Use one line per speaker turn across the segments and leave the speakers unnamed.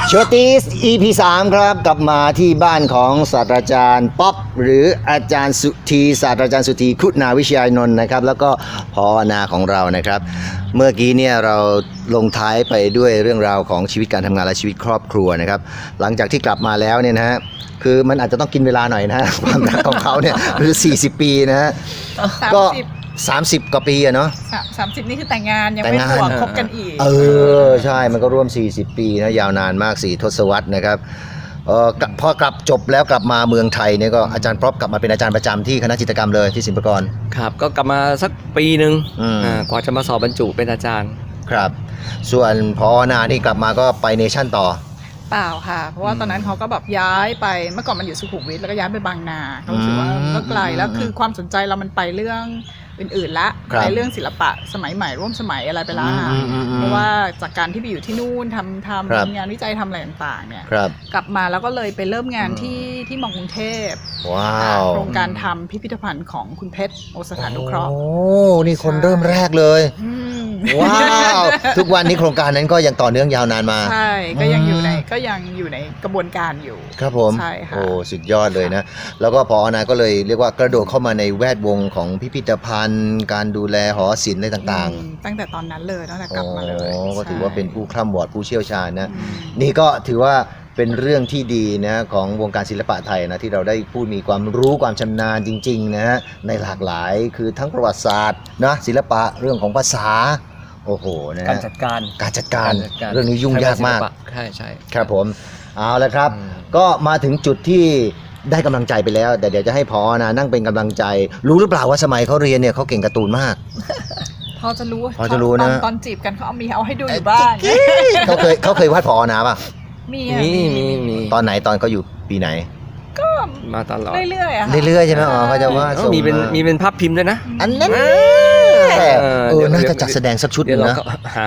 โชติส EP 3 ครับกลับมาที่บ้านของศาสตราจารย์ป๊อปหรืออาจารย์สุธีศาสตราจารย์สุธีคุณาวิชยานนท์นะครับแล้วก็พอนาของเรานะครับเมื่อกี้เนี่ยเราลงท้ายไปด้วยเรื่องราวของชีวิตการทำงานและชีวิตครอบครัวนะครับหลังจากที่กลับมาแล้วเนี่ยนะฮะคือมันอาจจะต้องกินเวลาหน่อยนะ ความรักของเขาเนี่ยคือ40 ปีนะฮะก็30 กว่าปีอะเนาะ
30นี่คือแต่งงานยังไม่บวกคบกันอีก
ใช่มันก็ร่วม40 ปีนะยาวนานมาก4 ทศวรรษนะครับพอกลับจบแล้วกลับมาเมืองไทยเนี่ยก็อาจารย์พร็อพกลับมาเป็นอาจารย์ประจำที่คณะจิตรกรรมเลยที่ศิลปากร
ครับก็กลับมาสักปีหนึ่งกว่าจะมาสอบบรรจุเป็นอาจารย์
ครับส่วนพอนานี่กลับมาก็ไปเนชั่นต่อ
เปล่าค่ะเพราะว่าตอนนั้นเขาก็แบบย้ายไปเมื่อก่อนมันอยู่สุขุมวิทแล้วก็ย้ายไปบางนาเขารู้สึกว่าก็ไกลแล้วคือความสนใจเรามันไปเรื่องอื่นๆละไปเรื่องศิลปะสมัยใหม่ร่วมสมัยอะไรไปแล้วเพราะว่าจากการที่ไปอยู่ที่นู่นทำงานวิจัยทำอะไรต่างๆเนี่ยกลับมาแล้วก็เลยไปเริ่มงานที่มอกรุงเทพโครงการทำพิพิธภัณฑ์ของคุณเพชรโอสถานุเคราะห์
โอ้นี่คนเริ่มแรกเลยว้าวทุกวันนี้โครงการนั้นก็ยังต่อเนื่องยาวนานมา
ใช่ก็ยังอยู่ในกระบวนการอยู่
ครับผม
ใช่ค่ะ
โอ้สุดยอดเลยนะแล้วก็พอนาก็เลยเรียกว่ากระโดดเข้ามาในแวดวงของพิพิธภัณฑ์การดูแลหอศิลป์อะไรต่าง
ๆตั้งแต่ตอนนั้นเลยตั้งแต่กลับมาเลย
ก็ถือว่าเป็นผู้คร่ำวอดผู้เชี่ยวชาญนะนี่ก็ถือว่าเป็นเรื่องที่ดีนะของวงการศิลปะไทยนะที่เราได้พูดมีความรู้ความชำนาญจริงๆนะฮะในหลากหลายคือทั้งประวัติศาสตร์นะศิลปะเรื่องของภาษาโอ้โหนะ
การจัดการ
เรื่องนี้ยุ่งยากมาก
ใช่
ครับผมเอาละครับก็มาถึงจุดที่ได้กำลังใจไปแล้วแต่เดี๋ยวจะให้พอนะนั่งเป็นกำลังใจรู้หรือเปล่าว่าสมัยเขาเรียนเนี่ยเขาเก่งการ์ตูนมาก
พอจะรู้
นะ
ตอนจีบกันเขาเอาให้ดูอยู่บ้าง
เขาเคยวาดพอนะป่ะ
มี
ตอนไหนตอนเขาอยู่ปีไหน
ก็
มาตลอด
เรื่อยๆอะ
เรื่อยๆใช่ไหมเขาจะว่า
มีเป็นภาพพิมพ์ด้วยนะ
อันนั้นน่าจะจัดแสดงสักชุดนึงนะ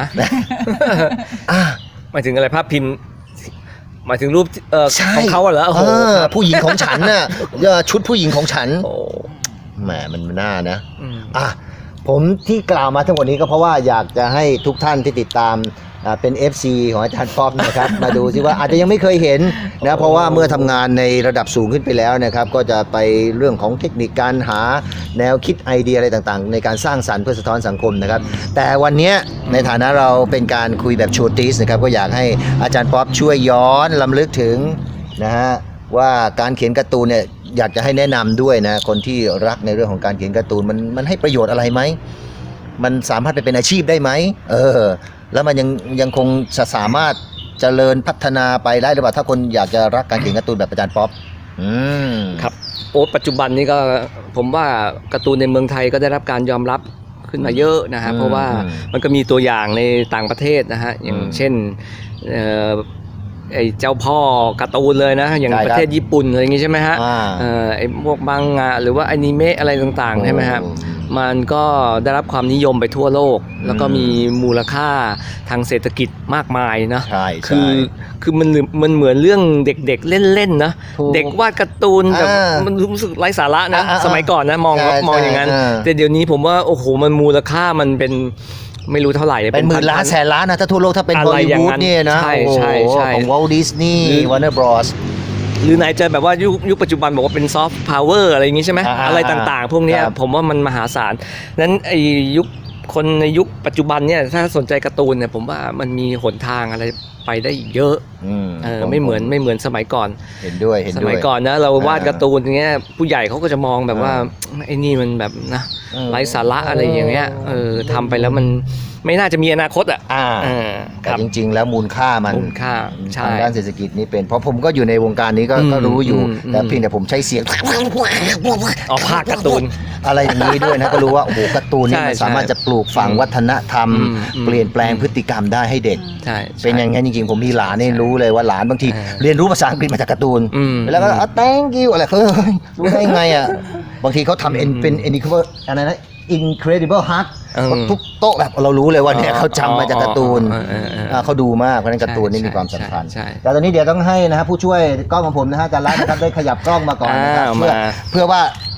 หมายถึงอะไรภาพพิมพ์หมายถึงรูปของเขาเหรอ
ผู้หญิงของฉันน่ะชุดผู้หญิงของฉันแหมมันน่านะผมที่กล่าวมาทั้งหมดนี้ก็เพราะว่าอยากจะให้ทุกท่านที่ติดตามเป็น FC ของอาจารย์ป๊อปนะครับ มาดูซิว่าอาจจะยังไม่เคยเห็นนะเพราะว่าเมื่อทำงานในระดับสูงขึ้นไปแล้วนะครับก็จะไปเรื่องของเทคนิคการหาแนวคิดไอเดียอะไรต่างๆในการสร้างสรรค์เพื่อสะท้อนสังคมนะครับแต่วันนี้ในฐานะเราเป็นการคุยแบบโชติสนะครับก็อยากให้อาจารย์ป๊อปช่วยย้อนรำลึกถึงนะฮะว่าการเขียนการ์ตูนเนี่ยอยากจะให้แนะนำด้วยนะคนที่รักในเรื่องของการเขียนการ์ตูนมันให้ประโยชน์อะไรไหมมันสามารถไปเป็นอาชีพได้ไหมแล้วมันยังคงสามารถเจริญพัฒนาไปได้หรือเปล่าถ้าคนอยากจะรักการเขียนการ์ตูนแบบอาจารย์ป๊อป
ครับปัจจุบันนี้ก็ผมว่าการ์ตูนในเมืองไทยก็ได้รับการยอมรับขึ้นมาเยอะนะฮะเพราะว่ามันก็มีตัวอย่างในต่างประเทศนะฮะอย่างเช่นไอ้เจ้าพ่อการ์ตูนเลยนะอย่างประเทศญี่ปุ่นอะไรอย่างงี้ใช่ไหมฮะไอ้พวกมังงะหรือว่าอนิเมะอะไรต่างๆใช่ไหมฮะมันก็ได้รับความนิยมไปทั่วโลกแล้วก็มีมูลค่าทางเศรษฐกิจมากมายนะคือมันเหมือนเรื่องเด็กๆเล่นๆนะเด็กวาดการ์ตูนแบบมันรู้สึกไร้สาระนะสมัยก่อนนะมองอย่างนั้นแต่เดี๋ยวนี้ผมว่าโอ้โหมันมูลค่ามันเป็นไม่รู้เท่าไหร่
เป็นหมื่นล้านแสนล้านนะถ้าทั่วโลกถ้าเป็นฮอลลีวูดเนี่ยนะ
ใช่
ของวอลต์ดิสนีย์วอร์เนอร์บรอส
หรือไหนจะแบบว่ายุคปัจจุบันบอกว่าเป็นซอฟต์พาวเวอร์อะไรอย่างงี้ใช่ไหมอะไรต่างๆพวกนี้ผมว่ามันมหาศาลนั้นไอ้คนในยุคปัจจุบันเนี่ยถ้าสนใจการ์ตูนเนี่ยผมว่ามันมีหนทางอะไรไปได้เยอะไม่เหมือนสมัยก่อน
เห็นด้วย
สมัยก่อนนะเราวาดการ์ตูนอย่างเงี้ยผู้ใหญ่เขาก็จะมองแบบว่าไอ้นี่มันแบบนะไร้สาระอะไรอย่างเงี้ยทำไปแล้วมันไม่น่าจะมีอนาคต
แต่จริงๆแล้วมูลค่าทางด้านเศรษฐกิจนี่เป็นเพราะผมก็อยู่ในวงการนี้ก็รู้อยู่แต่เพียงแต่ผมใช้เสียง
ภาคการ์ตูน
อะไรอย่างนี้ด้วยนะก็รู้ว่าโอ้โหการ์ตูนนี่มันสามารถจะปลูกฝังวัฒนธรรมเปลี่ยนแปลงพฤติกรรมได้ให้เด็กเป็นอย่างนั้นจริงๆผมมีหลานนี่รู้เลยว่าหลานบางทีเรียนรู้ภาษาอังกฤษมาจากการ์ตูนแล้วก็thank you อะไรรู้ได้ไงอ่ะบางทีเขาทำเป็นอะไรนะIncredible Hulk ทุกโต๊ะแบบเรารู้เลยว่าเนี่ยเขาจำมาจากการ์ตูนเขาดูมากเพราะนั้นการ์ตูนนี่มีความสำคัญแต่ตอนนี้เดี๋ยวต้องให้นะฮะผู้ช่วยกล้องของผมนะฮะอาจารย์รัตน์นะครับได้ขยับกล้องมาก่อนนะครับเพื่อว่า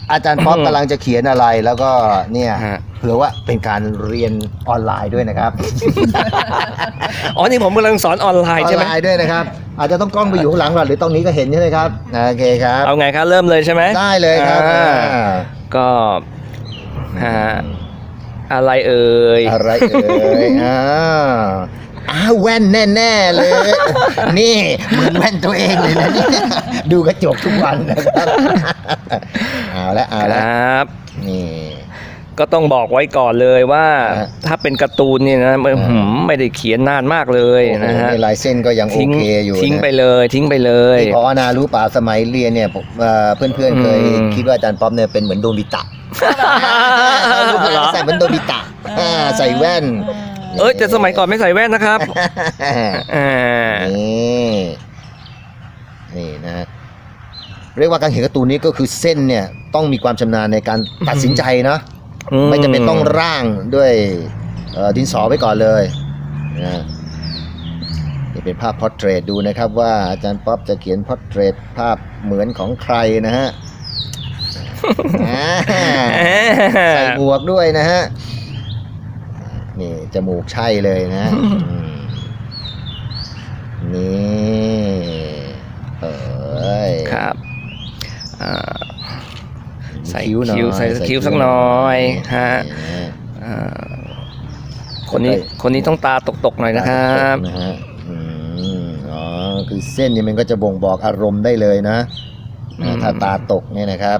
อาจารย์ป๊อปกำลังจะเขียนอะไรแล้วก็เนี่ย
ฮะ
เผื่อว่าเป็นการเรียนออนไลน์ด้วยนะครับ
อ๋อนี่ผมกำลังสอนออนไล
อ
น์
อน
ใช่ไหม
ไลน์ด้วยนะครับ อาจจะต้องกล้องไปอยู่ข้างหลังก่อนหรือตรงนี้ก็เห็นใช่ไหมครับโอเคครับ
เอาไงครับเริ่มเลยใช่ไหม
ได้เลยครับ
ก็ฮะอะไรเอ่ย
อะไรเอ่ยแว่นแน่ๆเลย นี่เหมือนแว่นตัวเองเลยนะเนี่ยดูกระจกทุกวันนะครับเอาละ
ค
ละ
รับ
นี่
ก็ต้องบอกไว้ก่อนเลยว่า
ฮะ
ถ้าเป็นการ์ตูนเนี่ยนะมันไม่ได้เขียนนานมากเลย
โอ้โห
นะฮะ
ในลายเส้นก็ยังโอ
ทิ้ง
เคอยู่
ทิ้ง
นะ
ไปเลยทิ้งไปเลย
นี่พอนารู้ป่าสมัยเรียนเนี่ยผมเพื่อนๆเคย
อืม
คิดว่าอาจารย์ป๊อปเนี่ยเป็นเหมือนโดบิตะ
เหรอ
ใส่เหมือนโดบิตะใส่แว่น
เอ้ยแต่สมัยก่อนไม่ใส่แว่นนะครับอ่า
นี่นะเรียกว่าการเขียนการ์ตูนนี้ก็คือเส้นเนี่ยต้องมีความชำนาญในการตัดสินใจนะไม่จำเป็นต้องร่างด้วยดินสอไว้ก่อนเลยนะนี่เป็นภาพพอร์เทรตดูนะครับว่าอาจารย์ป๊อปจะเขียนพอร์เทรตภาพเหมือนของใครนะฮะใส่หมวกด้วยนะฮะนี่จมูกใช่เลยนะนี่เอ้ย
ครับอ่า ใส่
คิ้วหน่อย
คิ้วใส่คิ้วสักหน่อยฮะ
นี่
อ่าคนนี้ต้องตาตกๆหน่อยนะครับ
นะฮะอ๋อคือเส้นนี่มันก็จะบ่งบอกอารมณ์ได้เลยนะถ้าตาตกเนี่ยนะครับ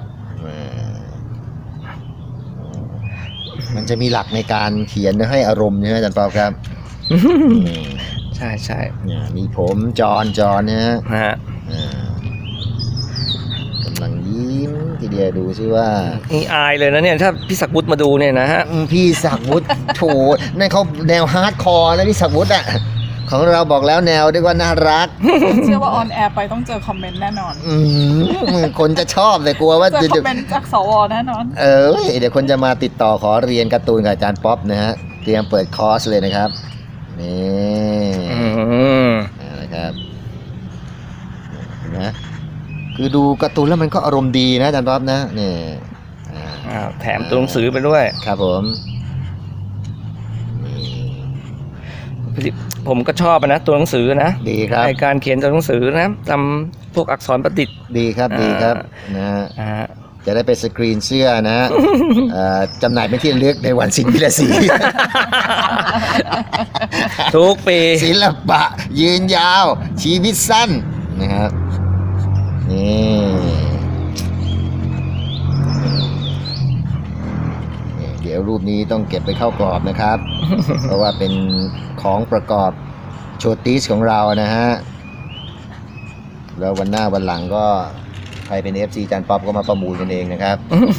มันจะมีหลักในการเขียนให้อารมณ์ใช่ไหมอาจารย์ปอครับ
ใช่ใช่
เนี่ยมีผมจอนเนี่ยฮะ
ฮะ
กำลังยิ้มทีเดียวดูซิว่า
นี่อายเลยนะเนี่ยถ้าพี่ศักดิ์วุฒิมาดูเนี่ยนะฮะ
พี่ศักดิ์วุฒิโถนั่นเขาแนวฮาร์ดคอร์นะพี่ศักดิ์วุฒิอ่ะของเราบอกแล้วแนวเรียกว่าน่ารัก
เชื่อว่าออนแอร์ไปต้องเจอคอมเมนต์แน่นอน
คนจะชอบแต่กลัวว่า
เจอคอมเมนต์จากสวแน่นอน
เดี๋ยวคนจะมาติดต่อขอเรียนการ์ตูนกับอาจารย์ป๊อปนะฮะเตรียมเปิดคอร์สเลยนะครับนี่นะครับนะคือดูการ์ตูนแล้วมันก็อารมณ์ดีนะอาจารย์ป๊อปนะนี่
แถมตัวหนังสือไปด้วย
ครับผมนี่
ผมก็ชอบนะตัวหนังสือนะ
ดีครับ
ในการเขียนตัวหนังสือนะทำพวกอักษรประดิษฐ์
ดีครับดีครับนะฮะ
อ่า
จะได้ไปสกรีนเสื้อนะจำหน่ายเป็นที่ระลึกในวันศิลปิลศรี
ทุกปี
ศิลปะยืนยาวชีวิตสั้นนะครับนี่เดี๋ยวรูปนี้ต้องเก็บไปเข้ากรอบนะครับ เพราะว่าเป็นของประกอบโชติสของเรานะฮะแล้ววันหน้าวันหลังก็ใครเป็น FC จานป๊อปก็มาประมูลกันเองนะครับ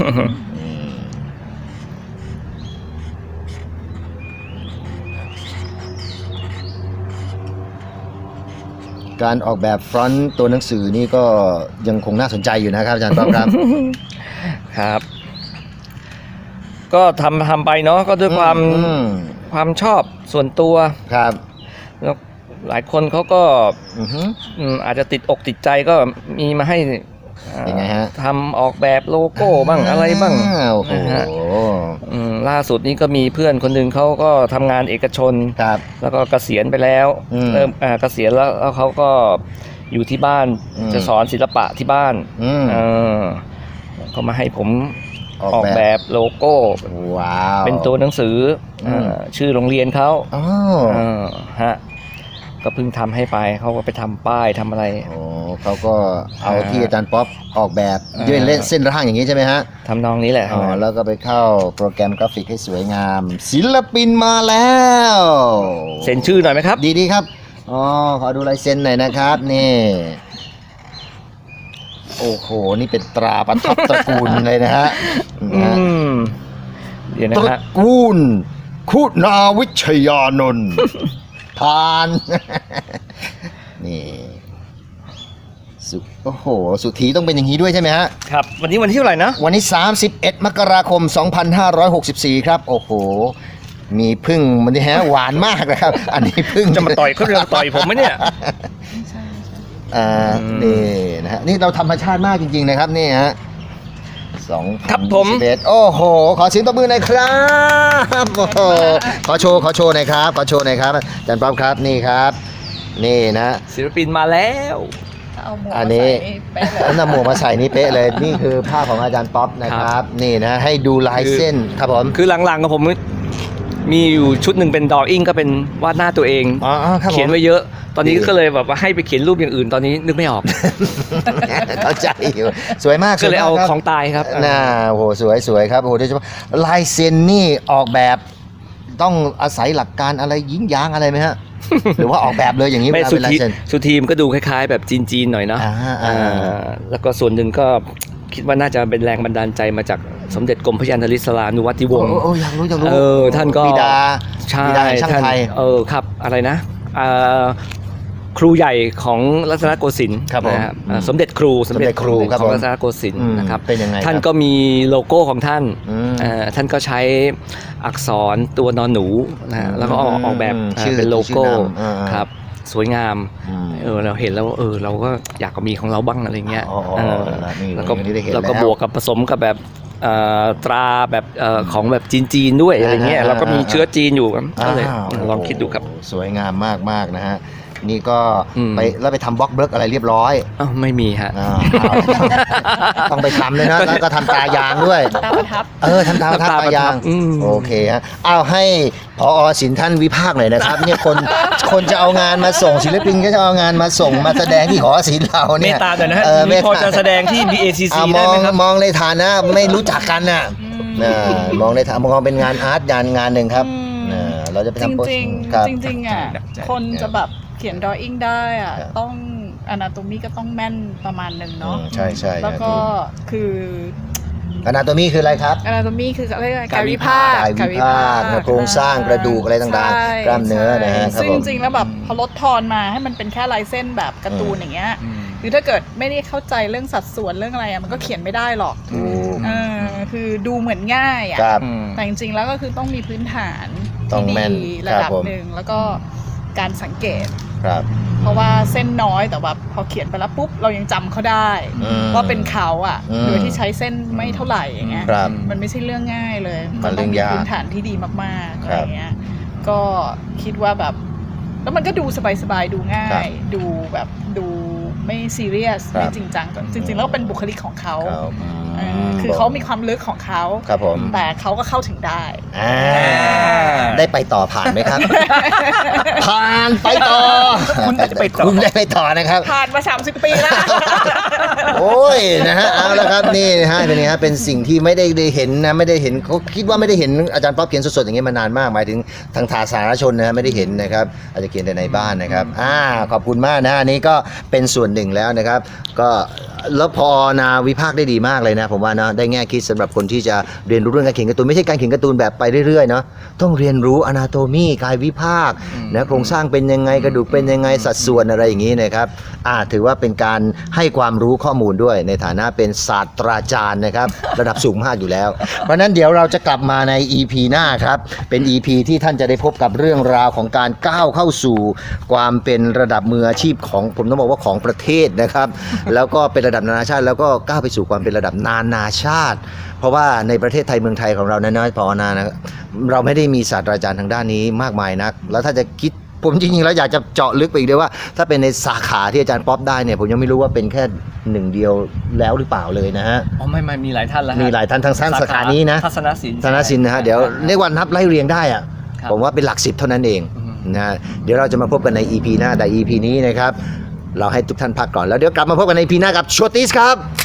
การออกแบบฟรอนต์ตัวหนังสือนี่ก็ยังคงน่าสนใจอยู่นะครับอาจารย์ป๊อปครับ
ครับ ก็ทำไปเนาะก็ด้วยความชอบส่วนตัว
ครับ
แล้วหลายคนเขาก็
อือฮึ
อาจจะติดอกติดใจก็มีมาให้
ยังไงฮะ
ทำออกแบบโลโก้บ้างอะไรบ้าง
โอ้โห
นะฮะล่าสุดนี้ก็มีเพื่อนคนหนึ่งเขาก็ทำงานเอกชน
ครับ
แล้วก็เกษียณไปแล้ว เริ่มเกษียณแล้วเขาก็อยู่ที่บ้าน จะสอนศิลปะที่บ้านเขามาให้ผมออกแบบโลโก้
ว้าว
เป็นตัวหนังสือชื่อโรงเรียนเขา
อ๋อ
ฮะก็เพิ่งทำให้ไปเขาก็ไปทำป้ายทำอะไร
โอ้เขาก็เอาที่อาจารย์ป๊อปออกแบบด้วยเส้นร่างอย่างนี้ใช่ไหมฮะ
ทำนองนี้แหละ
อ๋อแล้วก็ไปเข้าโปรแกรมกราฟิกให้สวยงาม ศิลปินมาแล้ว
เซ็นชื่อหน่อยไหมครับ
ดีครับอ๋อขอดูลายเซ็นหน่อยนะครับนี่โอ้โหนี่เป็นตราประทับตระกูลเลยนะฮะ
เดี๋ยวนะ
ตระ
ฮะ
กูลคุณาวิชยานนท์ทาน นี่โอ้โหสุธีต้องเป็นอย่างนี้ด้วยใช่ไหมฮะ
ครับ วันนี้วันที่เท่าไหร่นะ
วันนี้31 มกราคม 2564 ครับ โอ้โห มีพึ่งมันนี่ฮะ หวานมากนะครับ อันนี้พึ่ง
จะมาต่อยเขาจะต่อยผมไหมเนี่ย
นี่นะฮะ นี่เราธรรมชาติมากจริงๆนะครับนี่ฮะ
ครับผม
2021โอ้โหขอเสียงตบมือหน่อยครับโอ้โหขอโชว์หน่อยครับอาจารย์ป๊อปครับนี่ครับนี่นะ
ศิลปินมาแล้ว
เอาหมวก
อัน
มา
นี้
ใส่นี่เป๊ะเลย
นำหมวกมาใส่นี่เป๊ะเลยนี่คือภาพของอาจารย์ป๊อปนะครับนี่นะให้ดูลายเส้นครับผม
คือหลังๆกับผมมีอยู่ชุดหนึ่งเป็นดออิ่งก็เป็นวาดหน้าตัวเอง
อ๋อครับผม
เขียนไว้เยอะ ตอนนี้ก็เลยแบบว่าให้ไปเขียนรูปอย่างอื่นตอนนี้นึกไม่ออก
เข้าใจอยู่สวยมาก
ก็เลยเอา
สวมกครับ
ของตายครับ
น่าโอ้โหสวยครับโอ้โหโดยเฉพาะลายเซ็นนี่ออกแบบต้องอาศัยหลักการอะไรยิงยางอะไรไหมฮะ หรือว่าออกแบบเลยอย่างนี้เว
ไม่
ลา
สุ
เป็นลาย
ที
เซ็น
สุทีมก็ดูคล้ายๆ แบบจีนๆหน่อยเนาะ
อ่า
แล้วก็ส่วนหนึ่งก็คิดว่าน่าจะเป็นแรงบันดาลใจมาจากสมเด็จกรมพระยานุสรานุวัติวงศ์
โอ้อยากรู้
ท่านก็
บิดา
ใช่
บิดาแห่งช่าง
ท่าน
ไทย
ครับอะไรนะครูใหญ่ของรัตนโกสินทร์
ครับผม
นะฮะสมเด็จครู
สมเด็จครูครับ
ของ
ผม
รัตนโกสินทร์
อืม
นะครับ
เป็นยังไง
ท่าน
ครับ
ก็มีโลโก้ของท่าน
อืม
ท่านก็ใช้อักษรตัวนอนหนูนะฮะแล้วก็ออกแบบ
ชื่อ
เป็นโลโก้
ชื่อนาม
ครับสวยงาม
อืม
เราเห็นแล้วเราก็อยากมีของเราบ้างอะไรเงี้ย
อ๋อ
เออ
นี่
แล้วก็
อย่างนี้ได้เห็น
แล้วก็
แล้ว
บวกกับผสมกับแบบตราแบบของแบบจีนๆด้วยอะไรเงี้ย
อ่า
แล้วก็มีเชื้อจีนอยู่ครับก็เลย
าว
ลองคิดดูครับ
สวยงามมากนะฮะนี่ก็
อืม
ไปแล้วไปทำบล็อกเบิร์กอะไรเรียบร้อย
อ้าวไม่มีฮะ
ต้องไปทำเลยนะแล้วก็ทำตายางด้วย
ตาประทับ
ทำตาประทับ
ทำตาประทับ
ตายาง
อืม
โอเคฮะเอาให้ผอศิลป์ท่านวิพากษ์หน่อยนะครับเนี่ยคนจะเอางานมาส่งศิลปินก็จะเอางานมาส่งมาแสดงที่หอศิลป์เรา
เม
เนี่ย
ตตาหน่อยนะฮะ
เมต
พอ
ตา
จะแสดงที่ BACC
อ่ะม
ได้
อง
ไหมครับ
มองในฐานะไม่รู้จักกันน่ะมองในฐานะมองเป็นงานอาร์ตงานหนึ่งครับ
อืม
เราจะไป
จ
ทำโปส
ริง
ครับ
ๆจริงๆอ่ะ คนจะแบบเขียนดออิ่งได้อ่ะ
ครับ
ต้องอนาโตมีก็ต้องแม่นประมาณหนึ่งเนาะ
ใช่
แล้วก็คือ
อนาโตมีคืออะไรครับ
อนาโตมีคืออะไรยกกายวิภาค
กายวิภาคโครงสร้างกระดูกอะไรต่างๆ
ใช่
กล้ามเนื้อนะฮะครับ
ซึ่ง
ผม
จริงๆแล้วแบบพอลดทอนมาให้มันเป็นแค่ลายเส้นแบบการ์ตูนอย่างเงี้ยคือถ้าเกิดไม่ได้เข้าใจเรื่องสัดส่วนเรื่องอะไรอะมันก็เขียนไม่ได้หรอก
ถูก
คือดูเหมือนง่ายอ่ะ
ครับ
แต่จริงๆแล้วก็คือต้องมีพื้นฐาน
ต้อ
ที่
งแม่น
ดีระดับ
ครับผม
หนึ่งแล้วก็การสังเกต
ครับ
เพราะว่าเส้นน้อยแต่ว่าพอเขียนไปแล้วปุ๊บเรายังจำเขาได้
อืม
ว่าเป็นเขาอ่ะ
อืม
โดยที่ใช้เส้นไม่เท่าไหร่อย่างเงี้ย
ครับ
มันไม่ใช่เรื่องง่ายเลย
มันเรื่อง
ต้องมี
ยาก
พื้นฐานที่ดีมากๆ
ค
อะ
รับ
ไรเงี้ยก็คิดว่าแบบแล้วมันก็ดูสบายๆดูง่า
ครับ
ย ดูแบบดูไม่ซีเรียส
ครับ
ไม่จริงจังจริงๆแล้วเป็นบุคลิกของเขา
ครับ
คือเขามีความลึกของเขา
ครับผม
แต่เขาก็เข้าถึงได้
อ่าได้ไปต่อผ่านไหมครับ ผ่านไปต่อ
คุณได้ไปต่อ
คุณได้ไปต่อนะครับ
ผ่านมา 30 ปีแล้ว
โอ้ยนะฮะเอาละครับนี่นะฮะเป็นไงฮะเป็นสิ่งที่ไม่ได้เห็นนะไม่ได้เห็นเขาคิดว่าไม่ได้เห็นอาจารย์ป๊อปเขียนสดๆอย่างเงี้ยมานานมากหมายถึงทางสาธารณชนนะฮะไม่ได้เห็นนะครับอาจจะเขียนแต่ในบ้านนะครับขอบคุณมากนะอันนี้ก็เป็นส่วนหนึ่งแล้วนะครับ ก็แล้วพอนาวิพากษ์ได้ดีมากเลยนะผมว่านะได้แง่คิดสำหรับคนที่จะเรียนรู้เรื่องการเขียนการ์ตูนไม่ใช่การเขียนการ์ตูนแบบไปเรื่อยๆเนาะต้องเรียนรู้อนาโตมีกายวิภาคนะโครงสร้างเป็นยังไงกระดูกเป็นยังไงสัดส่วนอะไรอย่างนี้นะครับถือว่าเป็นการให้ความรู้ข้อมูลด้วยในฐานะเป็นศาสตราจารย์นะครับ ระดับสูงมากอยู่แล้ว เพราะฉะนั้นเดี๋ยวเราจะกลับมาใน EP หน้าครับเป็น EP ที่ท่านจะได้พบกับเรื่องราวของการก้าวเข้าสู่ความเป็นระดับมืออาชีพของผมต้องบอกว่าของประเทศนะครับ แล้วก็เป็นระดับนานาชาติแล้วก็ก้าวไปสู่ความเป็นระดับนานาชาติ เพราะว่าในประเทศไทยเมืองไทยของเรานั้นนะพอนานะเราไม่ได้มีศาสตราจารย์ทางด้านนี้มากมายนักแล้วถ้าจะคิดผมจริงๆแล้วอยากจะเจาะลึกไปอีกด้วยว่า ถ้าเป็นในสาขาที่อาจารย์ป๊อปได้เนี่ยผมยังไม่รู้ว่าเป็นแค่หนึ่งเดียวแล้วหรือเปล่าเลยนะฮะ
อ๋อไม่มีหลายท่านแล้วฮะ
มีหลายท่านทางสาขานี้นะ
ทัศนศิลป์
ธนสินนะฮะเดี๋ยวเรียกว่านับไล่เรียงได้อะ
ครับ
ผมว่าเป็นหลัก10เท่านั้นเอง
อืม
นะฮะเดี๋ยวเราจะมาพบกันใน EP หน้าแต่ EP นี้นะครับเราให้ทุกท่านพักก่อนแล้วเดี๋ยวกลับมาพบกันใน EP หน้ากับโชติสครับ